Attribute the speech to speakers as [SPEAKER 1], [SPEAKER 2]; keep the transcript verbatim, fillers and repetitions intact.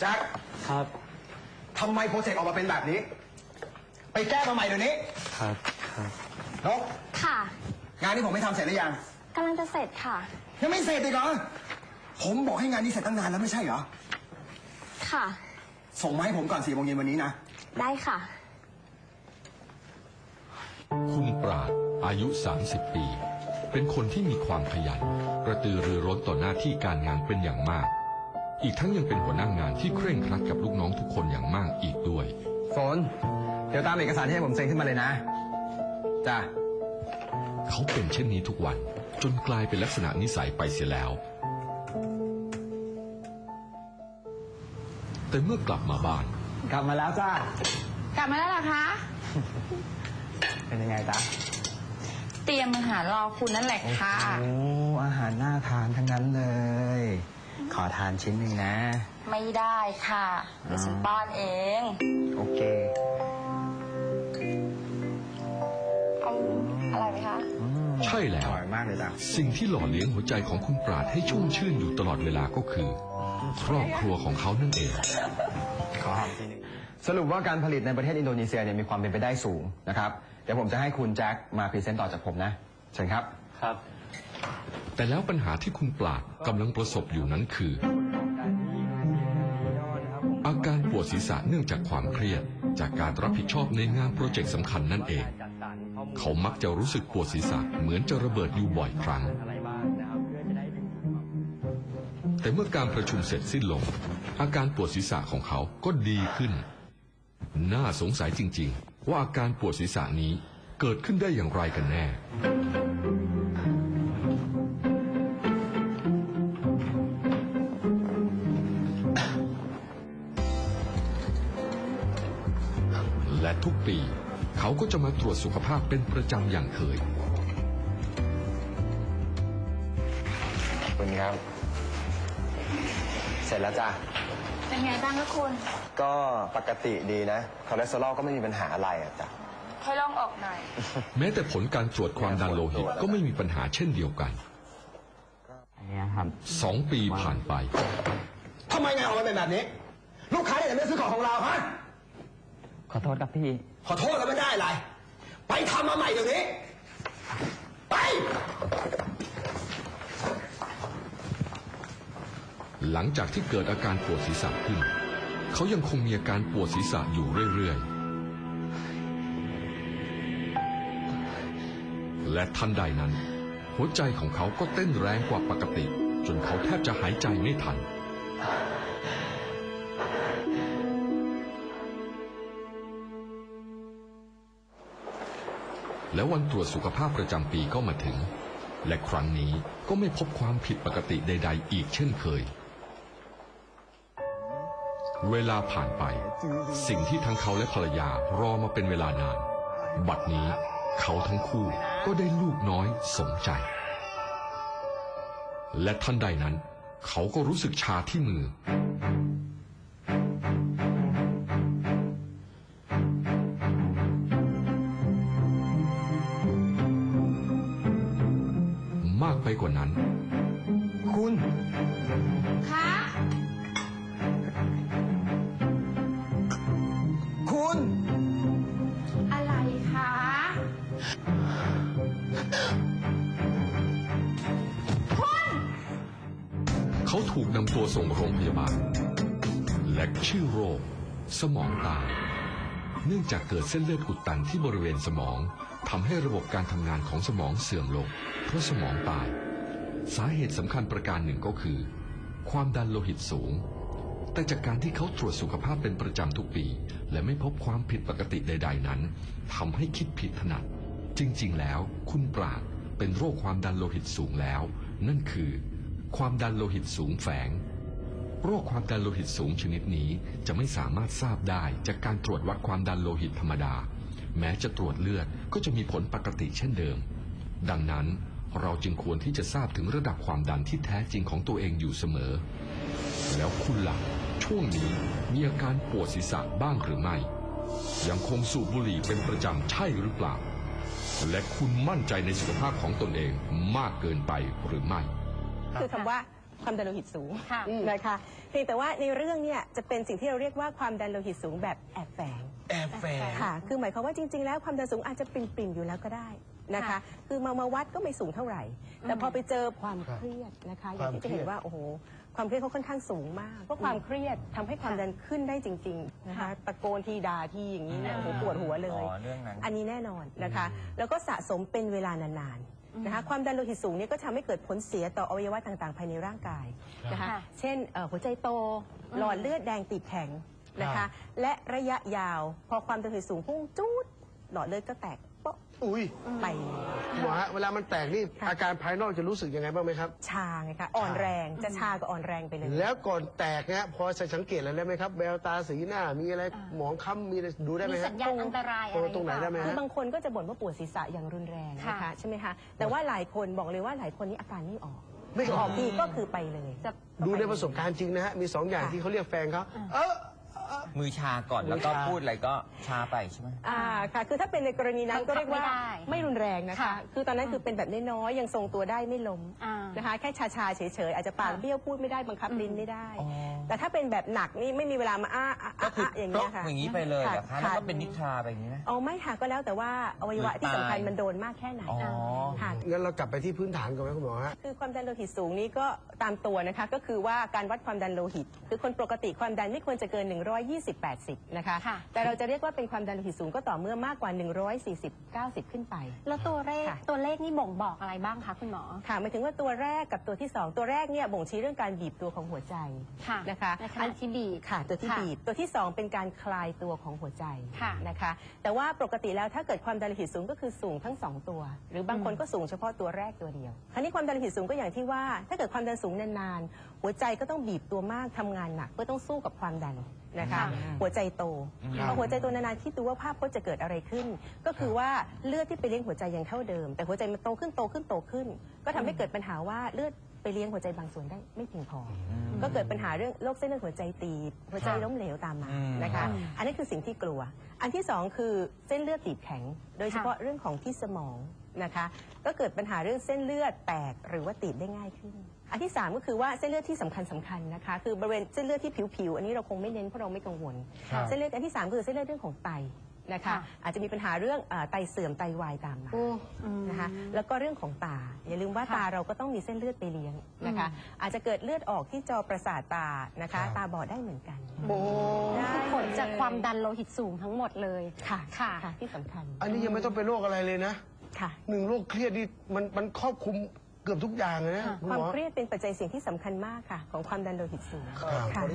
[SPEAKER 1] จ็ค
[SPEAKER 2] ครับ
[SPEAKER 1] ทำไมโปรเจกต์ออกมาเป็นแบบนี้ไปแก้มาใหม่เดี๋ยวนี้
[SPEAKER 2] ครับครับ
[SPEAKER 1] นก
[SPEAKER 3] ค่ะ
[SPEAKER 1] งานนี้ผมไม่ทำเสร็จหรือยัง
[SPEAKER 3] กำลังจะเสร็จค่ะ
[SPEAKER 1] ยังไม่เสร็จอีกเหรอผมบอกให้งานนี้เสร็จตั้งนานแล้วไม่ใช่เหรอ
[SPEAKER 3] ค่ะ
[SPEAKER 1] ส่งมาให้ผมก่อนสี่โมงเย็นวันนี้นะ
[SPEAKER 3] ได้ค่ะ
[SPEAKER 4] คุณปราดอายุสามสิบปีเป็นคนที่มีความขยันกระตือรือร้นต่อหน้าที่การงานเป็นอย่างมากอีกทั้งยังเป็นหัวหน้างานที่เคร่งครัดกับลูกน้องทุกคนอย่างมากอีกด้วย
[SPEAKER 1] ฝนเดี๋ยวตามเอกสารที่ให้ผมเซ็นขึ้นมาเลยนะจ้า
[SPEAKER 4] เขาเป็นเช่นนี้ทุกวันจนกลายเป็นลักษณะนิสัยไปเสียแล้วแต่เมื่อกลับมาบ้าน
[SPEAKER 1] กลับมาแล้วจ้าก
[SPEAKER 3] ลับมาแล้วเหรอคะ
[SPEAKER 1] เป็นยังไงจ๊ะ
[SPEAKER 3] เตรียมอาหารรอคุณนั่นแหละค่ะ
[SPEAKER 1] โอ้อาหารน่าทานทั้งนั้นเลยขอทานชิ้นหนึ่งนะ
[SPEAKER 3] ไม่ได้ค่ะเดี๋ยวฉันป้อนเอง
[SPEAKER 1] โอเค
[SPEAKER 3] เอาอะไรไหมคะ
[SPEAKER 4] ใช่แล้ว
[SPEAKER 1] อร่อยมากเลยจ้ะ
[SPEAKER 4] สิ่งที่หล่อเลี้ยงหัวใจของคุณปราดให้ชุ่มชื่นอยู่ตลอดเวลาก็คือครอบครัวของเขานั่นเอง
[SPEAKER 1] ขอหอมทีนึงสรุปว่าการผลิตในประเทศอินโดนีเซียเนี่ยมีความเป็นไปได้สูงนะครับเดี๋ยวผมจะให้คุณแจ็คมาพรีเซนต์ต่อจากผมนะเชิญครับ
[SPEAKER 2] ครับ
[SPEAKER 4] แต่แล้วปัญหาที่คุณปราดกำลังประสบอยู่นั้นคืออาการปวดศีรษะเนื่องจากความเครียดจากการรับผิดชอบในงานโปรเจกต์สำคัญนั่นเองเขามักจะรู้สึกปวดศีรษะเหมือนจะระเบิดอยู่บ่อยครั้งแต่เมื่อการประชุมเสร็จสิ้นลงอาการปวดศีรษะของเขาก็ดีขึ้นน่าสงสัยจริงๆว่าอาการปวดศีรษะนี้เกิดขึ้นได้อย่างไรกันแน่และทุกปีเขาก็จะมาตรวจสุขภาพเป็นประจำอย่างเคย
[SPEAKER 1] ขอบคุณครับเสร็จแล้วจ้ะ
[SPEAKER 3] เป็นไงบ้างคะคุณ
[SPEAKER 1] ก็ปกติดีนะคอเลสเตอรอลก็ไม่มีปัญหาอะไรอ่ะจ้ะ
[SPEAKER 3] ค่อยลองออกหน่อย
[SPEAKER 4] แม้แต่ผลการตรวจความดันโลหิตก็ไม่มีปัญหาเช่นเดียวกันสองปีผ่านไป
[SPEAKER 1] ทำไมงานออกมาเป็นแบบนี้ลูกค้าเนี่ยไม่ซื้อของของเราฮะ
[SPEAKER 2] ขอโทษครับพี่
[SPEAKER 1] ขอโทษแล้วไม่ได้อะไรไปทำมาใหม่เดี๋ยวนี้ไป
[SPEAKER 4] หลังจากที่เกิดอาการปวดศีรษะขึ้นเขายังคงมีอาการปวดศีรษะอยู่เรื่อยๆและทันใดนั้นหัวใจของเขาก็เต้นแรงกว่าปกติจนเขาแทบจะหายใจไม่ทันแล้ววันตรวจสุขภาพประจำปีก็มาถึงและครั้งนี้ก็ไม่พบความผิดปกติใดๆอีกเช่นเคยเวลาผ่านไปสิ่งที่ทั้งเขาและภรรยารอมาเป็นเวลานานบัดนี้เขาทั้งคู่ก็ได้ลูกน้อยสมใจและทันใดนั้นเขาก็รู้สึกชาที่มือมากไปกว่านั้น
[SPEAKER 1] คุณ
[SPEAKER 3] คะ
[SPEAKER 1] คุณ
[SPEAKER 3] อะไรคะคุณ
[SPEAKER 4] เขาถูกนำตัวส่งโรงพยาบาลและชื่อโรคสมองตายเนื่องจากเกิดเส้นเลือดอุดตันที่บริเวณสมองทำให้ระบบการทำงานของสมองเสื่อมลงเพราะสมองตายสาเหตุสำคัญประการหนึ่งก็คือความดันโลหิตสูงแต่จากการที่เขาตรวจสุขภาพเป็นประจำทุกปีและไม่พบความผิดปกติใดๆนั้นทำให้คิดผิดถนัดจริงๆแล้วคุณปราดเป็นโรคความดันโลหิตสูงแล้วนั่นคือความดันโลหิตสูงแฝงโรคความดันโลหิตสูงชนิดนี้จะไม่สามารถทราบได้จากการตรวจวัดความดันโลหิตธรรมดาแม้จะตรวจเลือดก็จะมีผลปกติเช่นเดิมดังนั้นเราจึงควรที่จะทราบถึงระดับความดันที่แท้จริงของตัวเองอยู่เสมอแล้วคุณล่ะช่วงนี้มีอาการปวดศีรษะบ้างหรือไม่ยังคงสูบบุหรี่เป็นประจำใช่หรือเปล่าและคุณมั่นใจในสุขภาพของตนเองมากเกินไปหรือไม่
[SPEAKER 5] คือคำว่าความดันโลหิตสูง
[SPEAKER 3] ค่ะ
[SPEAKER 5] นะคะเพียงแต่ว่าในเรื่องเนี่ยจะเป็นสิ่งที่เราเรียกว่าความดันโลหิตสูงแบบแอบแฝง
[SPEAKER 6] แอบแฝง
[SPEAKER 5] ค่ะ คือหมายความว่าจริง ๆ แล้วความดันสูงอาจจะปริ่มๆอยู่แล้วก็ได้นะคะ
[SPEAKER 3] ค่ะ
[SPEAKER 5] คือมามาวัดก็ไม่สูงเท่าไหร่ แต่พอไปเจอความเครียดนะคะอย่างที่จะเห็นว่าโอ้โหความเครียดเขาค่อนข้างสูงมากเพราะความเครียดทำให้ความดันขึ้นได้จริงๆนะคะตะโกนทีด่าทีอย่างนี้เนี่ยโอ้โหปวดหัวเลย
[SPEAKER 6] อ๋อเรื่องนั้น
[SPEAKER 5] อันนี้แน่นอนนะคะ แล้วก็สะสมเป็นเวลานานๆนะคะความดันโลหิตสูงเนี่ยก็ทำให้เกิดผลเสียต่ออวัยวะต่างๆ ภายในร่างกายนะคะ
[SPEAKER 3] ค่ะ
[SPEAKER 5] เช่นเอ่อหัวใจโตหลอดเลือดแดงตีบแข็งนะ
[SPEAKER 6] ครั
[SPEAKER 5] คะ
[SPEAKER 6] บ
[SPEAKER 5] และระยะยาวพอความดันโลหิตสูงพุ่งจูดหลอดเลือดก็แตกโป๊ะ
[SPEAKER 7] อุ้ย
[SPEAKER 5] ไป
[SPEAKER 7] หมอฮะเวลามันแตกนี่
[SPEAKER 5] ค่ะ
[SPEAKER 7] อาการภายนอกจะรู้สึกยังไงบ้างไหมครับ
[SPEAKER 5] ชาไงคะอ่อนแรงจะชาก็อ่อนแรงไปเลย
[SPEAKER 7] แล้วก่อนแตกเนี่ยพอจะสังเกตอะไรได้ไหมครับแววตาสีหน้ามีอะไรหมองคล้ำมีอะไรดูได้ไหม
[SPEAKER 3] มี
[SPEAKER 7] ฮะ
[SPEAKER 3] สัญญาณอันตรายอะไร
[SPEAKER 7] เออตรงไหนได้ไหม
[SPEAKER 5] คื
[SPEAKER 7] ฮะ
[SPEAKER 5] อบางคนก็จะบ่นว่าปวดศีรษะอย่างรุนแรงนะ
[SPEAKER 3] ค่ะ
[SPEAKER 5] คะใช่ไหมคะแต่ว่าหลายคนบอกเลยว่าหลายคนนี้อาการไม่ออก
[SPEAKER 7] ไม่ออก
[SPEAKER 5] ออกทีก็คือไปเลย
[SPEAKER 3] จะ
[SPEAKER 7] ดูในประสบการณ์จริงนะฮะมีสองอย่าง
[SPEAKER 5] ค่ะ
[SPEAKER 7] ที่เขาเรียกแฟนเขาเออ
[SPEAKER 6] มือชาก่อนแล้วก็
[SPEAKER 7] มือชา
[SPEAKER 6] พูดอะไรก็ชาไปใช่ไหม
[SPEAKER 5] อ่าค่ะคือถ้าเป็นในกรณีนั้นก็เรียกว่า
[SPEAKER 3] บังคับไม่ได้
[SPEAKER 5] ไม่รุนแรงนะคะ
[SPEAKER 3] ค่ะ
[SPEAKER 5] คือตอนนั้นคือเป็นแบบน้อยๆยังทรงตัวได้ไม่ล้ม
[SPEAKER 3] อ่า
[SPEAKER 5] นะคะแค่ชาๆเฉยๆอาจจะปาก
[SPEAKER 3] ค่ะ
[SPEAKER 5] เบี้ยวพูดไม่ได้บังคับลิ้นไม่ได้
[SPEAKER 6] อ๋อ
[SPEAKER 5] แต่ถ้าเป็นแบบหนักนี่ไม่มีเวลามาอ้าอ้า
[SPEAKER 6] ก็
[SPEAKER 5] อ้า
[SPEAKER 6] คือ
[SPEAKER 5] อ้าอย่าง
[SPEAKER 6] โต๊ะ
[SPEAKER 5] เงี้ยค่ะ
[SPEAKER 6] อย่างนี้ไปเลยเหรอคะแล้วก็เป็นนิทราไปอย่างนี้ไหม
[SPEAKER 5] เอาไม่ค่ะก็แล้วแต่ว่าอวัยวะที่สำคัญ
[SPEAKER 6] ตาย
[SPEAKER 5] มันโดนมากแค่ไหน
[SPEAKER 6] อ๋อ
[SPEAKER 5] ค่ะ
[SPEAKER 7] งั้นเรากลับไปที่พื้นฐานก่อนไหมคุณหมอฮะ
[SPEAKER 5] คือความดันโลหิตสูงนี่ก็ตามตัวนะคะก็คือว่าการวัดความดันโลหิต คือคนปกติความดันไม่ควรจะเกิน หนึ่งร้อยยี่สิบ แปดสิบ นะคะ
[SPEAKER 3] ค่ะ
[SPEAKER 5] แต่เราจะเรียกว่าเป็นความดันโลหิตสูงก็ต่อเมื่อมากกว่า หนึ่งร้อยสี่สิบ เก้าสิบ ขึ้นไป
[SPEAKER 3] แล้วตัวเลข
[SPEAKER 5] ค่ะ
[SPEAKER 3] ตัวเลขนี่บ่งบอกอะไรบ้างคะคุณหมอ
[SPEAKER 5] ค่ะหมายถึงว่าตัวแรกกับตัวที่สองตัวแรกเนี่ยบ่งชี้เรื่องการบีบตัวของหัวใจ
[SPEAKER 3] ค่ะ
[SPEAKER 5] นะคะ
[SPEAKER 3] ในขณะที่บีบ
[SPEAKER 5] ค่ะตัวที่
[SPEAKER 3] ค่ะ
[SPEAKER 5] บีบตัวที่สองเป็นการคลายตัวของหัวใจ
[SPEAKER 3] ค่ะ
[SPEAKER 5] นะคะแต่ว่าปกติแล้วถ้าเกิดความดันโลหิตสูงก็คือสูงทั้งสองตัว หรือบางคนก็สูงเฉพาะตัวแรกตัวเดียวคราวนี้ความดันโลหิตสูงก็อย่างที่ว่า ถ้าเกิดความดันสูงนานๆหัวใจก็ต้องบีบตัวมากทำงานหนักเพื่อต้องสู้กับความดันนะคะ
[SPEAKER 3] ค่ะ
[SPEAKER 5] หัวใจโตพอหัวใจโตนานๆคิดดูว่าภาพพจน์จะเกิดอะไรขึ้น ก็คือว่าเลือดที่ไปเลี้ยงหัวใจยังเท่าเดิม แต่หัวใจมันโตขึ้นโตขึ้นโตขึ้น ก็ทำให้เกิดปัญหาว่าเลือดไปเลี้ยงหัวใจบางส่วนได้ไม่เพียงพออก็เกิดปัญหาเรื่องโรคเส้นเลือดหัวใจตีบหัวใจล้มเหลวตามมา
[SPEAKER 6] อืม
[SPEAKER 5] นะคะ อันนี้คือสิ่งที่กลัว อันที่สองคือเส้นเลือดตีบแข็ง โดยเฉพาะเรื่องของที่สมองนะคะ ก็เกิดปัญหาเรื่องเส้นเลือดแตกหรือว่าตีบได้ง่ายขึ้น อันที่สามก็คือว่าเส้นเลือดที่สำคัญสำคัญนะคะ คือบริเวณเส้นเลือดที่ผิวๆ อันนี้เราคงไม่เน้นเพราะเราไม่กังวล
[SPEAKER 6] ครับ
[SPEAKER 5] เส้นเลือดอันที่สามคือเส้นเลือดเรื่องของไตนะคะ
[SPEAKER 3] ค่ะ
[SPEAKER 5] อาจจะมีปัญหาเรื่องเอ่อไตเสื่อมไตวายตามมา นะคะ แล้วก็เรื่องของตา อย่าลืมว่า
[SPEAKER 3] ค่ะ
[SPEAKER 5] ตาเราก็ต้องมีเส้นเลือดไปเลี้ยงนะคะ อาจจะเกิดเลือดออกที่จอประสาทตานะคะ
[SPEAKER 7] ครับ
[SPEAKER 5] ตาบอดได้เหมือนกัน
[SPEAKER 7] โอ้
[SPEAKER 5] ได้
[SPEAKER 3] คือผลจากความดันโลหิตสูงทั้งหมดเลย
[SPEAKER 5] ค่ะ
[SPEAKER 3] ค่ะ
[SPEAKER 5] ค่ะที่สำคัญ
[SPEAKER 7] อันนี้ยังไม่ต้องเป็นโรคอะไรเลยนะ
[SPEAKER 5] ค่ะ
[SPEAKER 7] หนึ่งโรคเครียดนี่มันมันครอบคลุมเกือบทุกอย่างเลยนะ
[SPEAKER 3] ค่ะ
[SPEAKER 7] คุณ
[SPEAKER 5] ควา
[SPEAKER 7] ห
[SPEAKER 5] ม
[SPEAKER 7] มอ
[SPEAKER 5] เครียดเป็นปัจจัยเสี่ยงที่สำคัญมากค่ะ ของความดันโลหิตสูง
[SPEAKER 7] ครับ
[SPEAKER 5] ค่ะ